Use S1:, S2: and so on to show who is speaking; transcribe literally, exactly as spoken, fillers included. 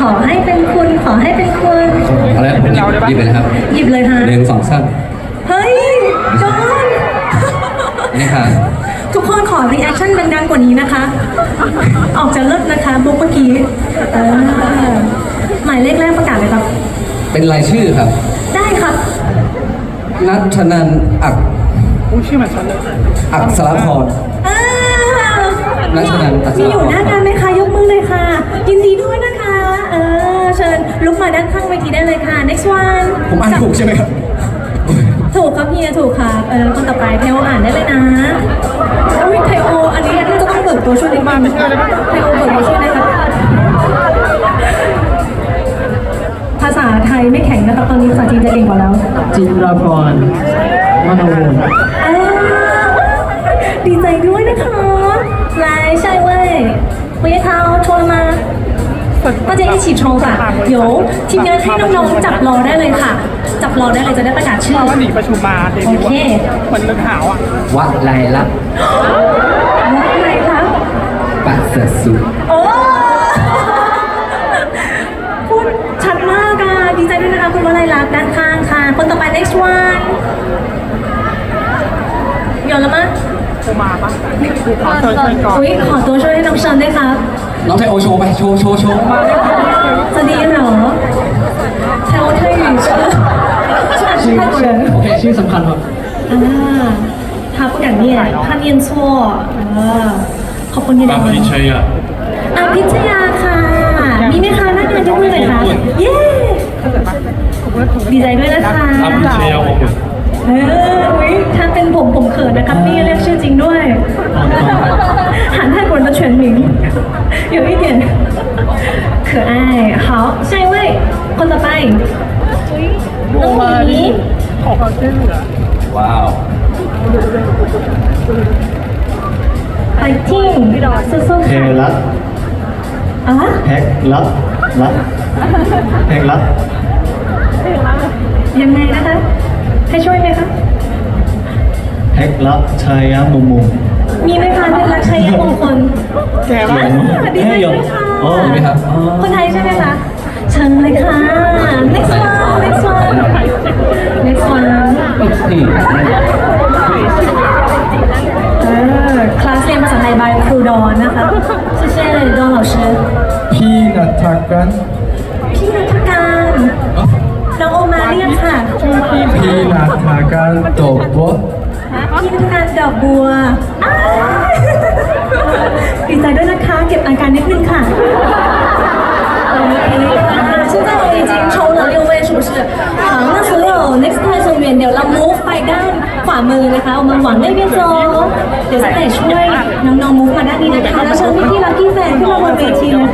S1: ขอให้เป็นคุณขอให้เป็นคุณ
S2: เอาแล้วผมหยิบหยิบไปเลยครับ
S1: หยิบเลยฮะ
S2: หนึ่งสองสาม
S1: เฮ้ยจอน
S2: นี่ค่ะ
S1: ทุกคนขอรีแอคชั่นดังๆกว่านี้นะคะ ออกจะเลิศนะคะบุ๊กเมื่อกี้เออหมายเลขแรกประกาศเลยครับ
S2: เป็นรายชื่อครับ
S1: ได้ครับ
S2: นัทนันอัก
S3: อู้ชื่อเหมือนฉันเลย
S2: อักษรพร
S1: อ่า
S2: นัชนันท์อัศ
S1: มี
S2: รพร
S1: อยู่หน้างานไหมคะยกมือเลยค่ะ ยินดีด้วยนะคะ เออเชิญลุกมาด้านข้างเวทีได้เลยค่ะ next one
S2: ผมอ่านถูกใช่ไหมครับ
S1: ถูกครับเฮียถูกครับเออคนต่อไปเทโออ่านได้เลยนะอุ้ยเทโออันนี้น่าจะต้องเบิกตัวช่วยนิดนึงเทโอเบิกตัวช่วยนะครับภาษาไทยไม่แข็งนะครับตอนนี้ภาษาจีนจะเก่งกว่าแล้ว
S3: จิราพรมโนวงศ์
S1: อ่าดีใจด้วยนะคะ来下一位胡叶涛抽了吗大家一起抽ค่ะเดี๋ยวทีมงานให้น้องๆจับรอได้เลยค่ะ จับรอได้เลยจะได้ประกาศชื่อ
S3: มาว่าหนีประชุมมาเดบิวต์
S1: โอเค
S3: เหมือนเลือกหาวอ่ะ
S2: วะไลลักษณ์
S1: ว่าไงคะ
S2: ปัสสสุ
S1: โอ้พูดชัดมากอ่ะดีใจด้วยนะคะคุณวลัยลักษณ์ด้านข้างค่ะ คนต่อไป next one โยนแล้วมั้ย
S3: โทรมาปะดูขอเชิญเชิญก่อน
S1: อุ้ยขอตัวช่วยให้น้องเชิญด้วยครับ
S2: น้องไทโอโชว์ไป โชว์โชว์โชว์
S1: จะดีเหรอแถวไทยอยู่เชื่อชื่อ泰国人
S3: โอเคชื่อสำคัญครับ
S1: อ่า他不敢念怕念错เออขอบคุณที่ได้
S4: อาพิชยะ
S1: อาพิชยาค่ะ มีไหมคะนักงานยกมือเลยค่ะ เย้ ดีใจด้วยนะคะ
S4: อาพิชยะวงศ์
S1: เอออุ๊ยถ้าเป็นผมผมเขินนะครับนี่เรียกชื่อจริงด้วยหัน泰国人的全名有一点可爱好下一位คนต่อไป
S3: โทรมาดิขอความช่วยเหลือ
S2: ว้าว
S1: ไฟติ้งสู้ๆ
S5: เพ
S1: ค่ะ
S5: ลัด
S1: อ่ะ
S5: แพ็กลัดลัดแพ็กลัด
S1: ยังไงนะคะให้ช่วยไหมคะ
S5: แพ็กลัดชายมุมมุม
S1: มีไหมคะเป็นรักชัยมงคล
S3: แกว่า
S1: ดีใจด้วยค่ะ
S5: อ๋อ
S2: มีไหมครับ
S1: คนไทยใช่ไหมคะเชิญเลยค่ะ next one next one next one
S2: นี่
S1: เออคลาสเรียนภาษาไทยบายครูดอนนะคะชื่อเช่ดอน老师
S5: พี่นัทกัน
S1: พี่นัทการน้องโอมาเรียกค่ะ
S5: พี่นัทกันตบวะ
S1: พี่นัทการดอกบัวอ้ายดีใจด้วยนะคะ เก็บอาการนิดนึงค่ะโอเคค่ะ现在我们已经抽了六位是不是好那所有 next time 成员เดี๋ยวเรา move ไปด้านขวามือนะคะ我们往那边走เดี๋ยวจะไปช่วยน้องๆ move มาด้านนี้นะคะแล้วเชิญพี่ๆ lucky fan ขึ้นมาบนเวทีเลย